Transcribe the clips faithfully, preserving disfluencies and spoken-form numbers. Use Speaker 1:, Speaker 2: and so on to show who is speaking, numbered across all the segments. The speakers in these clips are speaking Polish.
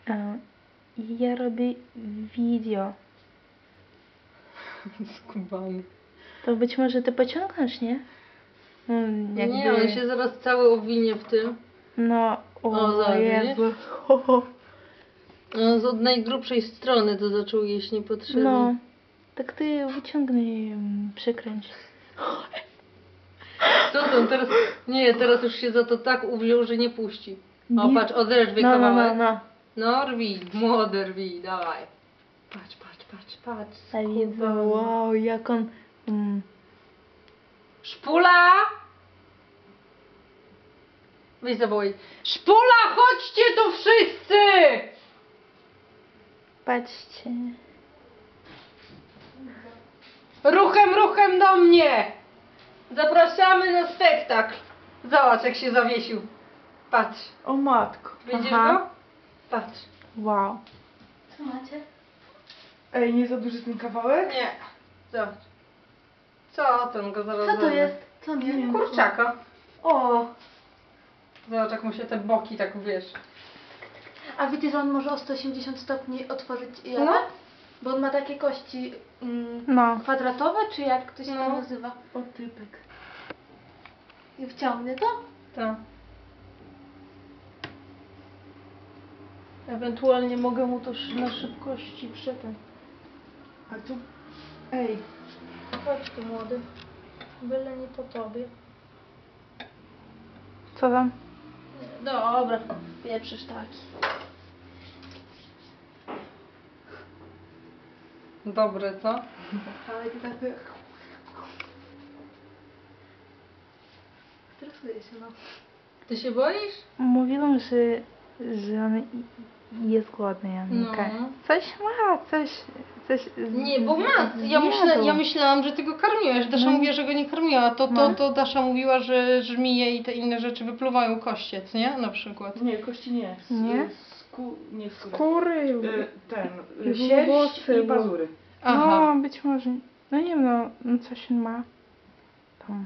Speaker 1: E, ja robię video.
Speaker 2: Skubany.
Speaker 1: To być może ty pociągniesz, nie? Mm, jakby...
Speaker 2: Nie, on się zaraz cały owinie w tym.
Speaker 1: No, o,
Speaker 2: O, zobacz,
Speaker 1: Jezu. Ho, ho.
Speaker 2: On z od najgrubszej strony to zaczął jeść niepotrzebnie.
Speaker 1: No, tak ty wyciągnij, mm, przykręć.
Speaker 2: Co tam teraz? Nie, teraz już się za to tak uwziął, że nie puści. O,
Speaker 1: Nie.
Speaker 2: patrz, oderwij
Speaker 1: No, no,
Speaker 2: kawałek.
Speaker 1: no, no.
Speaker 2: No, rwij, młody rwij, dawaj. Patrz, patrz, patrz, patrz.
Speaker 1: Ja widzę,
Speaker 2: skubany.
Speaker 1: wow, jak on... Mm.
Speaker 2: Szpula! Weź zawołaj. Szpula, chodźcie tu wszyscy!
Speaker 1: Patrzcie.
Speaker 2: Ruchem, ruchem do mnie! Zapraszamy na spektakl. Zobacz, jak się zawiesił. Patrz.
Speaker 1: O matko.
Speaker 2: Widzisz
Speaker 1: Aha.
Speaker 2: go? Patrz.
Speaker 1: Wow.
Speaker 3: Co macie?
Speaker 1: Ej, nie za duży ten kawałek?
Speaker 2: Nie. Zobacz. Co ten go zaraz
Speaker 3: Co to
Speaker 2: zerwie?
Speaker 3: jest? Co nie wiem.
Speaker 2: Kurczaka.
Speaker 3: O!
Speaker 2: Zobacz, jak mu się te boki tak, wiesz.
Speaker 3: A wiecie, że on może o sto osiemdziesiąt stopni otworzyć jawę?
Speaker 2: No.
Speaker 3: Bo on ma takie kości mm,
Speaker 1: No.
Speaker 3: kwadratowe, czy jak to się
Speaker 2: No.
Speaker 3: tam nazywa?
Speaker 1: O, typek.
Speaker 3: I wciągnie to?
Speaker 2: Tak. Ewentualnie mogę mu to sz- na szybkości przetem.
Speaker 1: A tu... Ej.
Speaker 3: Chodź tu, młody. Byle nie po tobie.
Speaker 1: Co tam?
Speaker 3: Dobra, pieprzysz taki.
Speaker 2: Dobre, co?
Speaker 3: Ale ty tak... Stresuję się, no.
Speaker 2: Ty się boisz?
Speaker 1: Mówiłam, że, że on i- jest głodny, Janka.
Speaker 2: No.
Speaker 1: Coś ma, coś... coś z-
Speaker 2: Nie, bo ma. Ja,
Speaker 1: zjadł.
Speaker 2: myślę, ja myślałam, że ty go karmiłeś. Dasza
Speaker 1: No.
Speaker 2: mówiła, że go nie karmiła. To, to,
Speaker 1: No.
Speaker 2: to Dasza mówiła, że żmije i te inne rzeczy wypluwają kościec, nie? Na przykład.
Speaker 4: Nie, kości nie. S-
Speaker 1: Nie?
Speaker 4: Sku, nie skóry.
Speaker 1: Skóry.
Speaker 4: Y, ten,
Speaker 1: I
Speaker 4: y, sierść
Speaker 1: włosy,
Speaker 4: i
Speaker 1: bo-
Speaker 4: pazury.
Speaker 2: Aha.
Speaker 1: No, być może. No nie wiem, no, no coś on ma. Tam.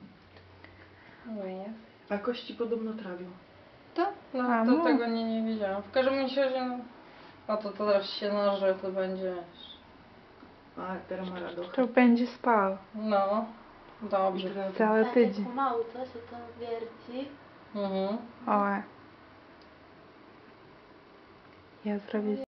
Speaker 4: A kości podobno trawią.
Speaker 2: Tak? No,
Speaker 1: A,
Speaker 2: to
Speaker 1: no.
Speaker 2: tego nie, nie wiedziałam. W każdym razie, no. A to, to teraz się naże, to będzie.
Speaker 4: A, teraz ma radość.
Speaker 1: To będzie spał
Speaker 2: No. Dobrze.
Speaker 1: cały
Speaker 3: Tak,
Speaker 1: tydzień.
Speaker 3: pomału to się to wierci.
Speaker 2: Mhm.
Speaker 1: O. Ja zrobię